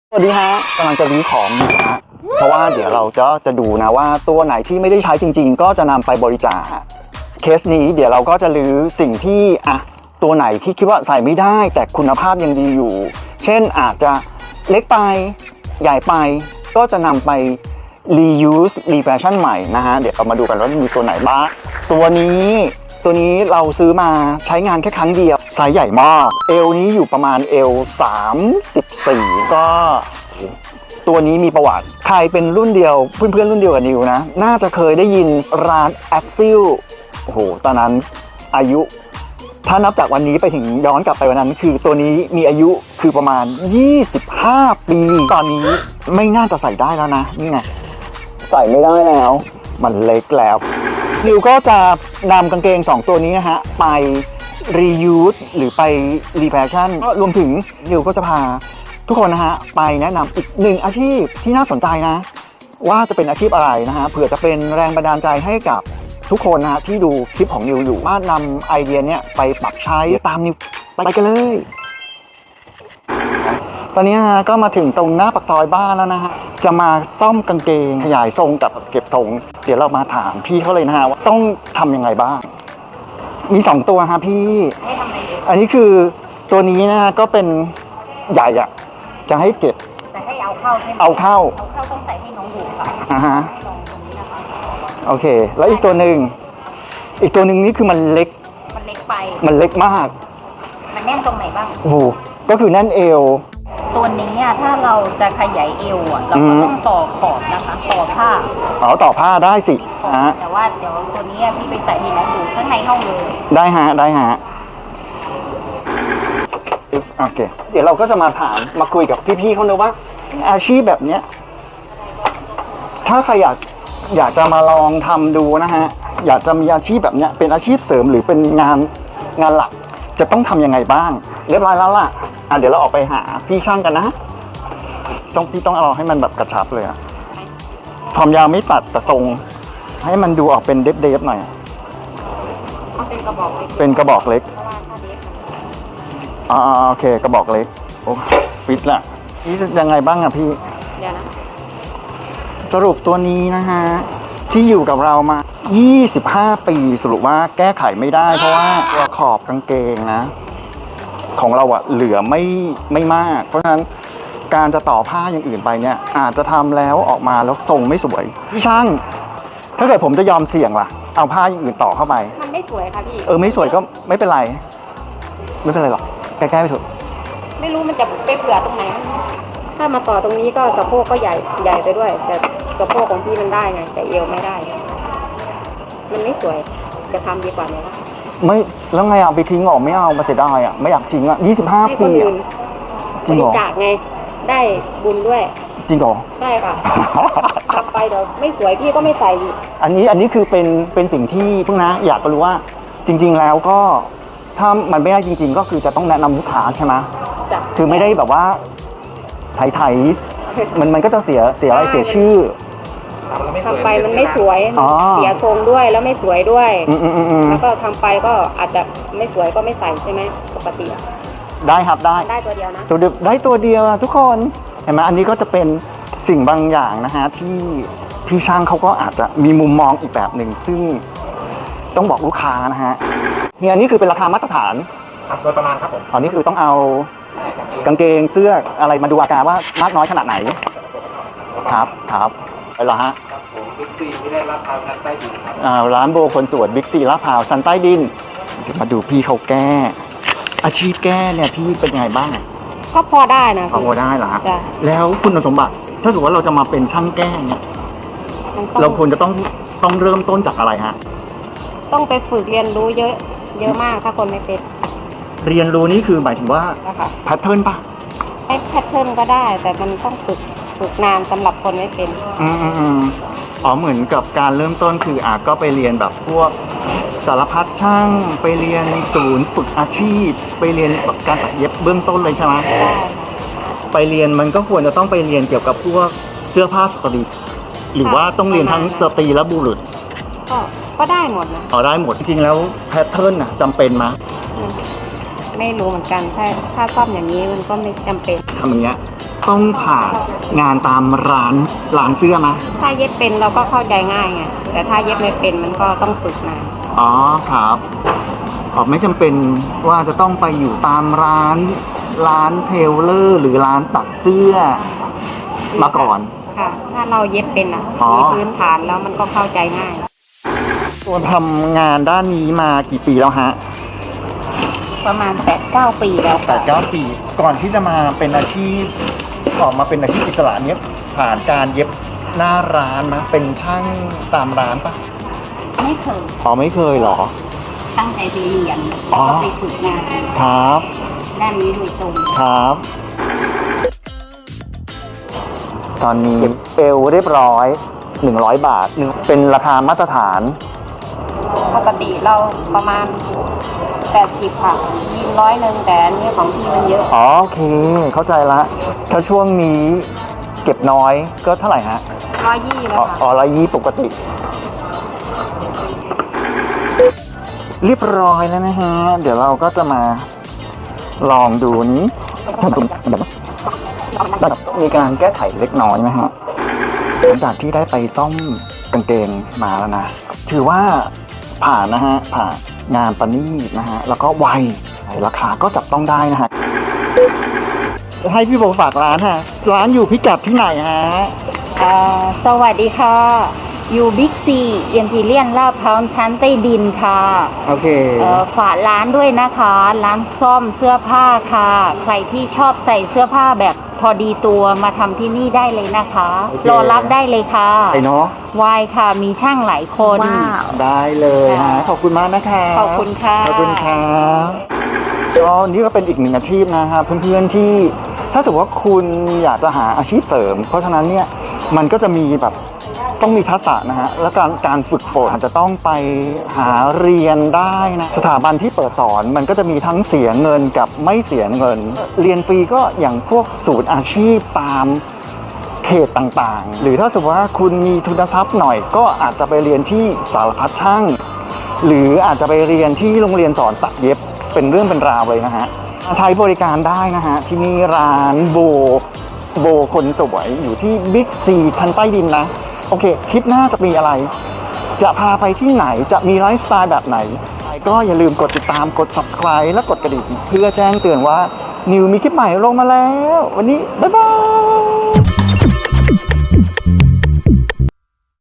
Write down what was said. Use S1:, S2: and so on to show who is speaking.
S1: สวัสดีฮะกำลังจะรื้อของอยู่ฮะเพราะว่าเดี๋ยวเราจะดูนะว่าตัวไหนที่ไม่ได้ใช้จริงๆก็จะนำไปบริจาคเคสนี้เดี๋ยวเราก็จะรื้อสิ่งที่ตัวไหนที่คิดว่าใส่ไม่ได้แต่คุณภาพยังดีอยู่เช่นอาจจะเล็กไปใหญ่ไปก็จะนำไป reuse refashion ใหม่นะฮะเดี๋ยวเรามาดูกันว่ามีตัวไหนบ้างตัวนี้เราซื้อมาใช้งานแค่ครั้งเดียวไซส์ใหญ่มากเอวนี้อยู่ประมาณเอว34ก็ตัวนี้มีประวัติใครเป็นรุ่นเดียวเพื่อนๆรุ่นเดียวกับนิวนะน่าจะเคยได้ยินร้าน Axil โอ้โหตอนนั้นอายุถ้านับจากวันนี้ไปถึงย้อนกลับไปวันนั้นคือตัวนี้มีอายุคือประมาณ25 ปีตอนนี้ไม่น่าจะใส่ได้แล้วนะนี่ไงใส่ไม่ได้แล้วมันเล็กแล้วนิวก็จะนำกางเกง2ตัวนี้นะฮะไป reuse หรือไป refashion รวมถึงนิวก็จะพาทุกคนนะฮะไปแนะนำอีกหนึ่งอาชีพที่น่าสนใจนะว่าจะเป็นอาชีพอะไรนะฮะเผื่อจะเป็นแรงบันดาลใจให้กับทุกคนนะฮะที่ดูคลิปของนิวอยู่ว่านำไอเดียเนี้ยไปปรับใช้ตามนิวไปกันเลยตอนนี้นะฮะก็มาถึงตรงหน้าปากซอยบ้านแล้วนะฮะจะมาซ่อมกางเกงขยายทรงกับเก็บทรงเดี๋ยวเรามาถามพี่เขาเลยนะฮะว่าต้องทำยังไงบ้างมี2ตัวฮะพี่อันนี้คือตัวนี้นะก็เป็นใหญ่อะจะให้เก็บ
S2: จะให้เอาเข้าใช่ไหม
S1: เอาเข้า
S2: ต้องใส่ให้น้องดูค่ะ
S1: ฮะ
S2: ให้น้องตรงนี้นะคะ
S1: โอเคแล้วอีกตัวหนึ่งนี่คือมันเล็ก
S2: ไป
S1: มันเล็กมาก
S2: มันแน่นตรงไหนบ้าง
S1: โอ้โหก็คือแน่นเอว
S2: ตัวนี้ถ้าเราจะขยายเอวเราก็ต้องต่อขอบนะคะต่อผ้า
S1: ต่อผ้าได้สิ
S2: แต่ว่าเดี๋ยวตัวนี้พี่ไปใส่ให้น้องดูข้างในห้องเลย
S1: ได้ฮะโอเคเดี๋ยวเราก็จะมาถามมาคุยกับพี่ๆเขาเลยว่าอาชีพแบบเนี้ยถ้าใครอยากจะมาลองทำดูนะฮะอยากจะมีอาชีพแบบเนี้ยเป็นอาชีพเสริมหรือเป็นงานหลักจะต้องทำยังไงบ้างเรียบร้อยแล้วล่ะเดี๋ยวเราออกไปหาพี่ช่างกันนะพี่ต้องเอาให้มันแบบกระชับเลยอะความยาวไม่ตัดแต่ทรงให้มันดูออกเป็นเดฟหน่อย
S2: เป็นกระบอกเล็ก
S1: โอเคกระบอกเล็กโอ้ฟิตละนี่ยังไงบ้างอะพี่
S2: เดี๋ยวนะ
S1: สรุปตัวนี้นะฮะที่อยู่กับเรามา25 ปีสรุปว่าแก้ไขไม่ได้เพราะว่าตัวขอบกางเกงนะของเราอะเหลือไม่มากเพราะฉะนั้นการจะต่อผ้าอย่างอื่นไปเนี่ยอาจจะทำแล้วออกมาแล้วทรงไม่สวยพี่ช่างถ้าเกิดผมจะยอมเสี่ยงล่ะเอาผ้าอย่างอื่นต่อเข้าไป
S2: มันไม่สวยค่ะพี่
S1: ไม่สวยก็ไม่เป็นไรหรอกแก้ไปเถอะ
S2: ไม่รู้มันจะไปเผื่อตรงไหนถ้ามาต่อตรงนี้ก็สะโพกก็ใหญ่ไปด้วยแต่สะโพกของพี่มันได้ไงแต่เอวไม่ได้มันไม่สวยจะทำดีกว่าไหมล่ะ
S1: ไม่แล้วไงเอาไปทิ้งออกไม่เอามาเสียดายอ่ะไม่อยากทิ้งอ่ะ25 ปี
S2: จริงเหรอจากไงได้บุญด้วย
S1: จริงเหรอ
S2: ใช่ค่ะทำไปเดี๋ยวไม่สวยพี่ก็ไม่ใส่อีก
S1: อันนี้คือเป็นสิ่งที่เพิ่งนะอยากรู้ว่าจริงๆแล้วก็ถ้ามันไม่ได้จริงๆก็คือจะต้องแนะนำลูกค้าใช่ไหมคือไม่ได้แบบว่าไทยมันก็จะเสียอะไรเสียชื่อ
S2: ทำไปมันไม่สวยเสียทรงด้วยแล้วไม่สวยด้วยแล้วก็ทำไปก็อาจจะไม่สวยก็ไม่ใส่ใช่ไหมปกติ
S1: ได้ครับได้
S2: ตัวเดียวนะ
S1: ได้ตัวเดียวทุกคนเห็นไหมอันนี้ก็จะเป็นสิ่งบางอย่างนะฮะที่พี่ช่างเขาก็อาจจะมีมุมมองอีกแบบหนึ่งซึ่งต้องบอกลูกค้านะฮะเนี่ยนี่คือเป็นราคามาตรฐาน
S3: โดยประมาณครับผม
S1: อันนี้คือต้องเอากางเกงเสื้ออะไรมาดูอาการว่ามากน้อยขนาดไหนครับไปละฮะ
S3: บิ๊กซีที่ได้รับพาวชั้นใต้ดิน
S1: ร้านโบคนสวนบิ๊กซีลาดพร้าวชั้นใต้ดินเดี๋ยวมาดูพี่เขาแก้อาชีพแก้เนี่ยพี่เป็นยังไงบ้าง
S2: ก็พอได้นะ
S1: พอได้เหรอแล้วคุณสมบัติถ้าสมมติว่าเราจะมาเป็นช่างแก้เนี่ยเราควรจะต้องเริ่มต้นจากอะไรฮะ
S2: ต้องไปฝึกเรียนรู้เยอะมากถ้าคนไม่เป็น
S1: เรียนรู้นี่คือหมายถึงว่าแพทเทิร์นป่ะ
S2: แพทเทิร์นก็ได้แต่มันต้องฝึกนานสำหรับคนไม่เป็น
S1: เหมือนกับการเริ่มต้นคือก็ไปเรียนแบบพวกสารพัดช่างไปเรียนศูนย์ฝึกอาชีพไปเรียนแบบการตัดเย็บเบื้องต้นเลยใช่ไหม
S2: ใช่
S1: ไปเรียนมันก็ควรจะต้องไปเรียนเกี่ยวกับพวกเสื้อผ้าสตรีหรือว่าต้องเรียนทั้งสตรีและบุรุษ
S2: ก็ได้หมดนะ
S1: ได้หมดจริงๆแล้วแพทเทิร์นจำเป็นไหม
S2: ไม่รู้เหมือนกันถ้าซ่อมอย่างนี้มันก็ไม่จำเป็น
S1: ทำอย่างเงี้ยต้องผ่านงานตามร้านเสื้อไหม
S2: ถ้าเย็บเป็นเราก็เข้าใจง่ายไงแต่ถ้าเย็บไม่เป็นมันก็ต้องฝึกนาน
S1: อ๋อครับไม่จำเป็นว่าจะต้องไปอยู่ตามร้านเทเลอร์หรือร้านตัดเสื้อมาก่อน
S2: ค่ะ ถ้าเราเย็บเป็นมีพื้นฐานแล้วมันก็เข้าใจง่าย
S1: ตัวทำงานด้านนี้มากี่ปีแล้วฮะ
S2: ประมาณ 8-9 ปีแล้วค่ะ
S1: 8-9 ปีก่อนที่จะมาเป็นอาชีพออกมาเป็นอาชีพอิสระเนี้ยผ่านการเย็บหน้าร้านมาเป็นช่างตามร้านปะ
S2: ไม่เคย
S1: ไม่เคยเหรอ
S2: ตั้งใจไปเรียน
S1: อ๋อ
S2: ก็ไปฝึกงาน
S1: ครับ
S2: ด้านนี้โดยตรง
S1: ครับ ตอนนี้เอลเรียบร้อย100 บาทเป็นราคามาตรฐาน
S2: ปกติเราประมาณ 80 ค่ะยีน100แต่อันนี้ของพี่มันเยอะ
S1: โอเค เข้าใจละถ้าช่วงนี้เก็บน้อยก็เท่าไหร่ฮะ
S2: 120แล้วค่ะ
S1: 120ปกติ เรียบร้อยแล้วนะฮะ เดี๋ยวเราก็จะมาลองดูนี้มีการแก้ไขเล็กน้อยไหมฮะหลังจากที่ได้ไปซ่อมกางเกงมาแล้วนะ ถือว่าผ่านนะฮะ ผ่านงานประณีตนะฮะ แล้วก็ไวราคาก็จับต้องได้นะฮะ ให้พี่โบฝากร้านฮะ ร้านอยู่พิกัดที่ไหนฮะ
S2: สวัสดีค่ะ อยู่บิ๊กซีเอ็มพีเรียนลาดพร้าวชั้นใต้ดินค่ะ
S1: โอเค
S2: ฝากร้านด้วยนะคะ ร้านซ่อมเสื้อผ้าค่ะ ใครที่ชอบใส่เสื้อผ้าแบบพอดีตัวมาทำที่นี่ได้เลยนะคะ
S1: โอเค
S2: รอรับได้เลยค่ะ
S1: ไปเนาะ
S2: วายค่ะ มีช่างหลายคน
S1: ได้เลยฮะ ขอบคุณมากนะคะ
S2: ขอบคุณค่ะ
S1: ขอบคุณครับก็นี่ก็เป็นอีกหนึ่งอาชีพนะครับเพื่อนๆที่ถ้าสมมติว่าคุณอยากจะหาอาชีพเสริม เพราะฉะนั้นเนี่ยมันก็จะมีแบบต้องมีทักษะนะฮะและการฝึกฝนอาจจะต้องไปหาเรียนได้นะสถาบันที่เปิดสอนมันก็จะมีทั้งเสียเงินกับไม่เสียเงิน เรียนฟรีก็อย่างพวกศูนย์อาชีพตามเขตต่างๆ หรือถ้าสมมติว่าคุณมีทุนทรัพย์หน่อยก็อาจจะไปเรียนที่สารพัดช่าง หรืออาจจะไปเรียนที่โรงเรียนสอนตัดเย็บเป็นเรื่องเป็นราวเลยนะฮะใช้บริการได้นะฮะที่นี่ร้านโบคนสวยอยู่ที่บิ๊กซีชั้นใต้ดินนะโอเคคลิปหน้าจะมีอะไร จะพาไปที่ไหนจะมีไลฟ์สไตล์แบบไหนก็อย่าลืมกดติดตามกด subscribe และกดกระดิ่งเพื่อแจ้งเตือนว่านิวมีคลิปใหม่ลงมาแล้ววันนี้บ๊ายบาย